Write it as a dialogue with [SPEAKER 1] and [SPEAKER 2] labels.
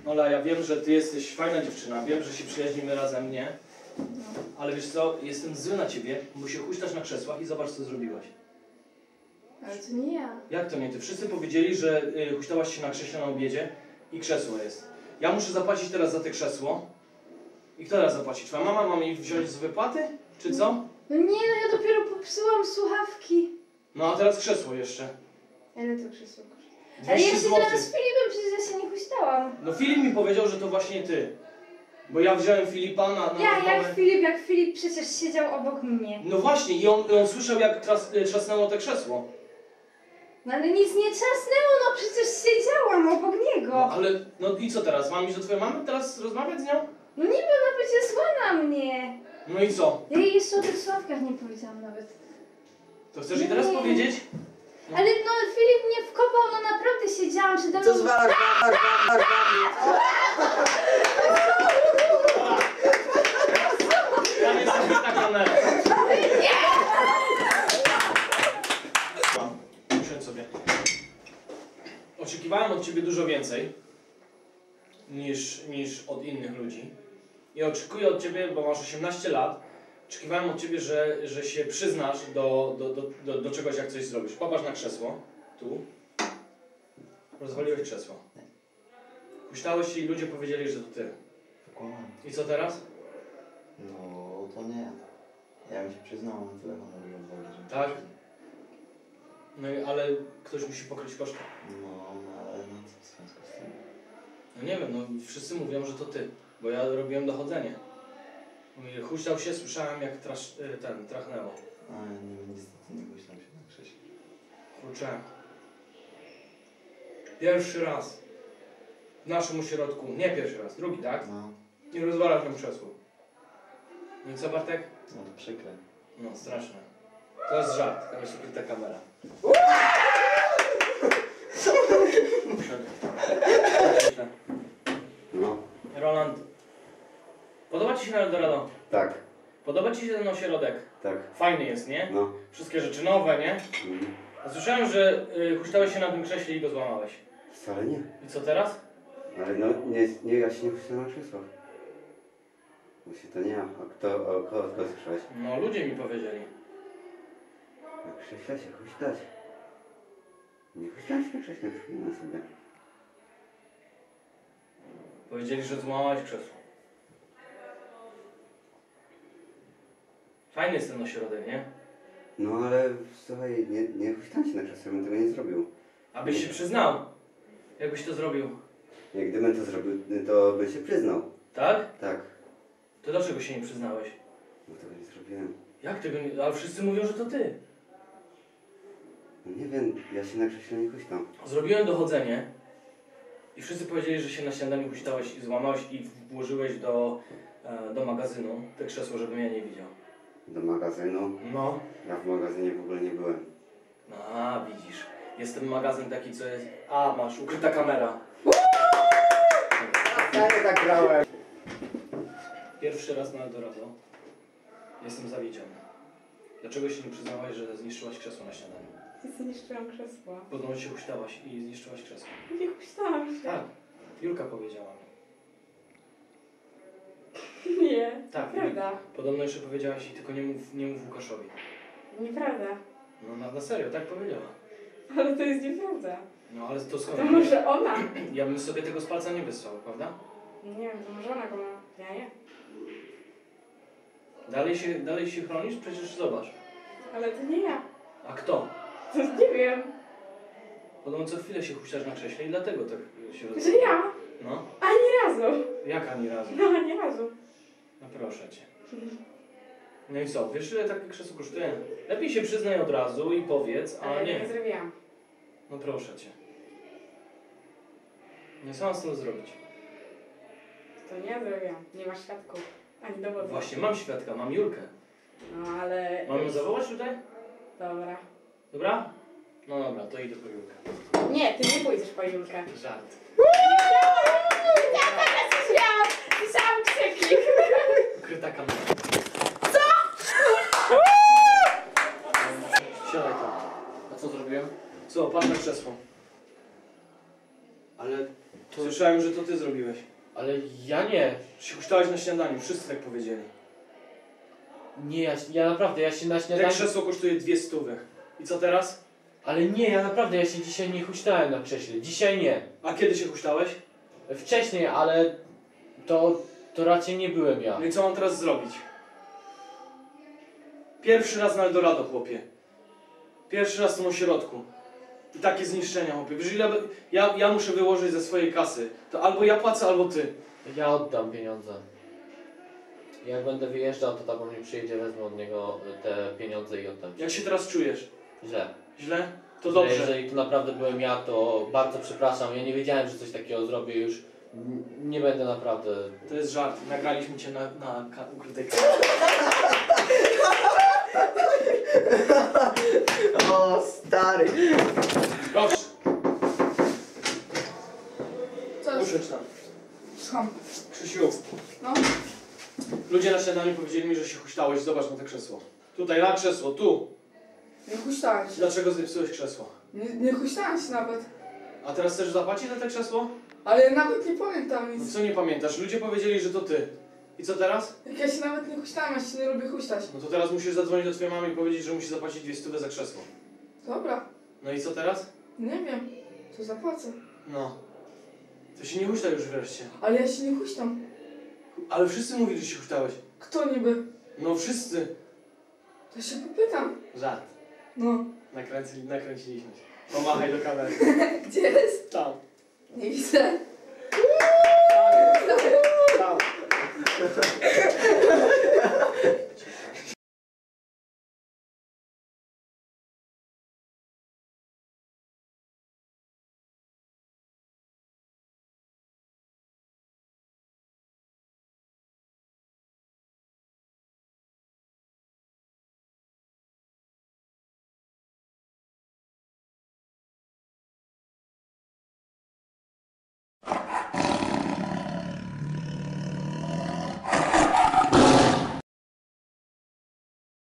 [SPEAKER 1] Ola, ja wiem, że ty jesteś fajna dziewczyna, wiem, że się przyjaźnimy razem, nie?
[SPEAKER 2] No.
[SPEAKER 1] Ale wiesz co, jestem zły na ciebie, bo się huśtasz na krzesłach i zobacz, co zrobiłaś.
[SPEAKER 2] Ale to nie ja.
[SPEAKER 1] Jak to nie ty? Wszyscy powiedzieli, że huśtałaś się na krześle na obiedzie i krzesło jest. Ja muszę zapłacić teraz za te krzesło. I kto teraz zapłaci? Twoja mama ma mi wziąć z wypłaty? Czy co?
[SPEAKER 2] No nie, no ja dopiero popsułam słuchawki.
[SPEAKER 1] No a teraz krzesło jeszcze.
[SPEAKER 2] Ile to krzesło kosztuje? Ale ja
[SPEAKER 1] 200
[SPEAKER 2] się
[SPEAKER 1] zł.
[SPEAKER 2] teraz z Filipem, przecież ja się nie huśtałam.
[SPEAKER 1] No Filip mi powiedział, że to właśnie ty. Bo ja wziąłem Filipa na
[SPEAKER 2] Jak Filip przecież siedział obok mnie.
[SPEAKER 1] No właśnie, i on słyszał, jak trzasnęło te krzesło.
[SPEAKER 2] No ale nic nie trzasnęło, no przecież siedziałam obok niego.
[SPEAKER 1] No ale, no i co teraz? Mam iść do twojej mamy teraz rozmawiać z nią?
[SPEAKER 2] No niby ona będzie zła na mnie.
[SPEAKER 1] No i co?
[SPEAKER 2] Ja jej jeszcze o tych sławkach nie powiedziałam nawet.
[SPEAKER 1] To chcesz jej teraz
[SPEAKER 2] Nie.
[SPEAKER 1] powiedzieć? No.
[SPEAKER 2] Ale no Filip mnie wkopał, no naprawdę siedziałam przede mną.
[SPEAKER 3] Co zwalasz?
[SPEAKER 1] Ja jestem ta kamera. Usiądź sobie. Oczekiwałem od ciebie dużo więcej niż od innych ludzi. I oczekuję od ciebie, bo masz 18 lat, oczekiwałem od ciebie, że się przyznasz do czegoś, jak coś zrobisz. Popatrz na krzesło. Tu. Rozwaliłeś krzesło. Huśtałeś się i ludzie powiedzieli, że to ty.
[SPEAKER 3] Kłamałem.
[SPEAKER 1] I co teraz?
[SPEAKER 3] No to nie. Ja bym się przyznał, tyle mam odwagi, że...
[SPEAKER 1] Tak? No i ale ktoś musi pokryć koszty.
[SPEAKER 3] No, ale no co w związku z tym?
[SPEAKER 1] No nie wiem, no wszyscy mówią, że to ty, bo ja robiłem dochodzenie. Mówi, huśtał się, słyszałem jak trachnęło.
[SPEAKER 3] A nie, niestety nie myślałem się na krześle.
[SPEAKER 1] Kurczę. Pierwszy raz w naszym ośrodku, nie pierwszy raz, drugi, tak?
[SPEAKER 3] No,
[SPEAKER 1] I rozwalasz nam krzesło. No i co, Bartek?
[SPEAKER 3] no to przykre.
[SPEAKER 1] No, straszne. To jest żart, tam jest ukryta kamera.
[SPEAKER 3] No,
[SPEAKER 1] Roland, podoba ci się Eldorado?
[SPEAKER 3] tak,
[SPEAKER 1] Podoba ci się ten ośrodek?
[SPEAKER 3] tak,
[SPEAKER 1] Fajny jest, nie?
[SPEAKER 3] no.
[SPEAKER 1] Wszystkie rzeczy nowe, nie? A słyszałem, że huśtałeś się na tym krześle i go złamałeś.
[SPEAKER 3] Wcale nie.
[SPEAKER 1] I co teraz?
[SPEAKER 3] Ale no, ja się nie puszczę na krzesłach. Właśnie to nie ja. A kogo słyszałeś?
[SPEAKER 1] No, ludzie mi powiedzieli.
[SPEAKER 3] Na krześle się huśtać. Nie huśtać na krześle, przypomnę sobie.
[SPEAKER 1] Powiedzieli, że złamałeś krzesło. Fajny jest ten ośrodek, nie?
[SPEAKER 3] No ale słuchaj, nie huśtać się na krzesle, bym tego nie zrobił.
[SPEAKER 1] Abyś się przyznał. Jakbyś to zrobił.
[SPEAKER 3] Jak gdybym to zrobił, to bym się przyznał.
[SPEAKER 1] Tak?
[SPEAKER 3] Tak.
[SPEAKER 1] To dlaczego się nie przyznałeś?
[SPEAKER 3] No tego nie zrobiłem.
[SPEAKER 1] Jak tego nie... Ale wszyscy mówią, że to ty.
[SPEAKER 3] No nie wiem, ja się na krześle nie huśtam.
[SPEAKER 1] Zrobiłem dochodzenie i wszyscy powiedzieli, że się na śniadaniu huśtałeś i złamałeś i włożyłeś do magazynu te krzesło, żebym ja nie widział.
[SPEAKER 3] Do magazynu.
[SPEAKER 1] No.
[SPEAKER 3] Ja w magazynie w ogóle nie byłem.
[SPEAKER 1] A, widzisz. Jest ten magazyn taki, co jest... A, masz, ukryta kamera.
[SPEAKER 3] Ja nie tak grałem.
[SPEAKER 1] Pierwszy raz na Eldorado. Jestem zawiedziony. Dlaczego się nie przyznałaś, że zniszczyłaś krzesło na śniadaniu?
[SPEAKER 2] Zniszczyłam krzesło.
[SPEAKER 1] Podobno się huśtałaś i zniszczyłaś krzesło.
[SPEAKER 2] Nie huśtałam się.
[SPEAKER 1] Tak. Julka powiedziała mi.
[SPEAKER 2] Nie,
[SPEAKER 1] Tak.
[SPEAKER 2] prawda.
[SPEAKER 1] Podobno jeszcze powiedziałaś i tylko nie mów Łukaszowi.
[SPEAKER 2] Nieprawda.
[SPEAKER 1] No na serio, tak powiedziała.
[SPEAKER 2] Ale to jest nieprawda.
[SPEAKER 1] No ale to skąd?
[SPEAKER 2] To może ona?
[SPEAKER 1] Ja bym sobie tego z palca nie wysłał, prawda?
[SPEAKER 2] Nie wiem, to może ona go ma. Ja nie.
[SPEAKER 1] Dalej się chronisz? Przecież zobacz.
[SPEAKER 2] Ale to nie ja.
[SPEAKER 1] A kto?
[SPEAKER 2] To nie wiem.
[SPEAKER 1] Podobno co chwilę się huśtasz na krześle i dlatego tak się
[SPEAKER 2] Że
[SPEAKER 1] rozumie.
[SPEAKER 2] ja?
[SPEAKER 1] No.
[SPEAKER 2] Ani razu.
[SPEAKER 1] Jak ani razu?
[SPEAKER 2] No, ani razu.
[SPEAKER 1] No proszę cię. No i co? Wiesz ile takie krzesło kosztuje? Lepiej się przyznaj od razu i powiedz, a
[SPEAKER 2] Ale
[SPEAKER 1] nie.
[SPEAKER 2] nie zrobiłam.
[SPEAKER 1] No proszę cię. Nie co mam z tym zrobić?
[SPEAKER 2] To nie ja zrobiłam. Nie masz świadków. Ani dowodów.
[SPEAKER 1] Właśnie mam świadka, mam Julkę.
[SPEAKER 2] No, ale...
[SPEAKER 1] Mam ją zawołać tutaj?
[SPEAKER 2] Dobra.
[SPEAKER 1] Dobra? No dobra, to idę po Julkę.
[SPEAKER 2] Nie, ty nie pójdziesz po Julkę.
[SPEAKER 1] Żart.
[SPEAKER 2] Ja teraz śmiałam! Słyszałam krzyki!
[SPEAKER 1] Ukryta kamera. Siadaj tam. A co zrobiłem? Co, patrz na krzesło.
[SPEAKER 4] Ale to...
[SPEAKER 1] Słyszałem, że to ty zrobiłeś.
[SPEAKER 4] Ale ja nie.
[SPEAKER 1] Się huśtałeś na śniadaniu, wszyscy tak powiedzieli.
[SPEAKER 4] Nie, ja naprawdę, ja się na
[SPEAKER 1] Te
[SPEAKER 4] śniadaniu...
[SPEAKER 1] krzesło kosztuje 200. I co teraz?
[SPEAKER 4] Ale nie, ja naprawdę, ja się dzisiaj nie huśtałem na krześle. Dzisiaj nie.
[SPEAKER 1] A kiedy się huśtałeś?
[SPEAKER 4] Wcześniej, ale to raczej nie byłem ja.
[SPEAKER 1] No i co mam teraz zrobić? Pierwszy raz na Eldorado, chłopie. Pierwszy raz w tym ośrodku. I takie zniszczenia, chłopie. Wiesz, ile ja muszę wyłożyć ze swojej kasy. To albo ja płacę, albo ty.
[SPEAKER 4] Ja oddam pieniądze. Jak będę wyjeżdżał, to tato mnie przyjedzie, wezmę od niego te pieniądze i oddam ci.
[SPEAKER 1] Jak się teraz czujesz?
[SPEAKER 4] Źle.
[SPEAKER 1] Źle? To
[SPEAKER 4] Że
[SPEAKER 1] dobrze.
[SPEAKER 4] Jeżeli to naprawdę byłem ja, to bardzo przepraszam. Ja nie wiedziałem, że coś takiego zrobię już. Nie będę naprawdę...
[SPEAKER 1] To jest żart. Nagraliśmy cię na ukrytej kamerze.
[SPEAKER 5] O, stary.
[SPEAKER 1] Proszę,
[SPEAKER 2] Co?
[SPEAKER 1] usiądź tam.
[SPEAKER 2] Słucham.
[SPEAKER 1] Krzysiu,
[SPEAKER 2] No.
[SPEAKER 1] ludzie na śniadaniu powiedzieli mi, że się huśtałeś. Zobacz na to krzesło. Tutaj, na krzesło, tu.
[SPEAKER 2] Nie huśtałem się.
[SPEAKER 1] Dlaczego zepsułeś krzesło?
[SPEAKER 2] Nie huśtałem się nawet.
[SPEAKER 1] A teraz chcesz zapłacić za to krzesło?
[SPEAKER 2] Ale nawet nie pamiętam
[SPEAKER 1] No
[SPEAKER 2] nic.
[SPEAKER 1] co nie pamiętasz? Ludzie powiedzieli, że to ty. I co teraz?
[SPEAKER 2] Jak ja się nawet nie huśtałem, ja się nie lubię huśtać.
[SPEAKER 1] No to teraz musisz zadzwonić do twojej mamy i powiedzieć, że musi zapłacić 200 za krzesło.
[SPEAKER 2] Dobra.
[SPEAKER 1] No i co teraz?
[SPEAKER 2] Nie wiem. To zapłacę.
[SPEAKER 1] No. To się nie huśta już wreszcie.
[SPEAKER 2] Ale ja się nie huśtam.
[SPEAKER 1] Ale wszyscy mówili, że się huśtałeś.
[SPEAKER 2] Kto niby?
[SPEAKER 1] No wszyscy.
[SPEAKER 2] To się popytam.
[SPEAKER 1] Żart.
[SPEAKER 2] No.
[SPEAKER 1] Nakręciliśmy się. Pomachaj do kamery.
[SPEAKER 2] Gdzie jest?
[SPEAKER 1] Tam.
[SPEAKER 2] Nie widzę.
[SPEAKER 1] Tam.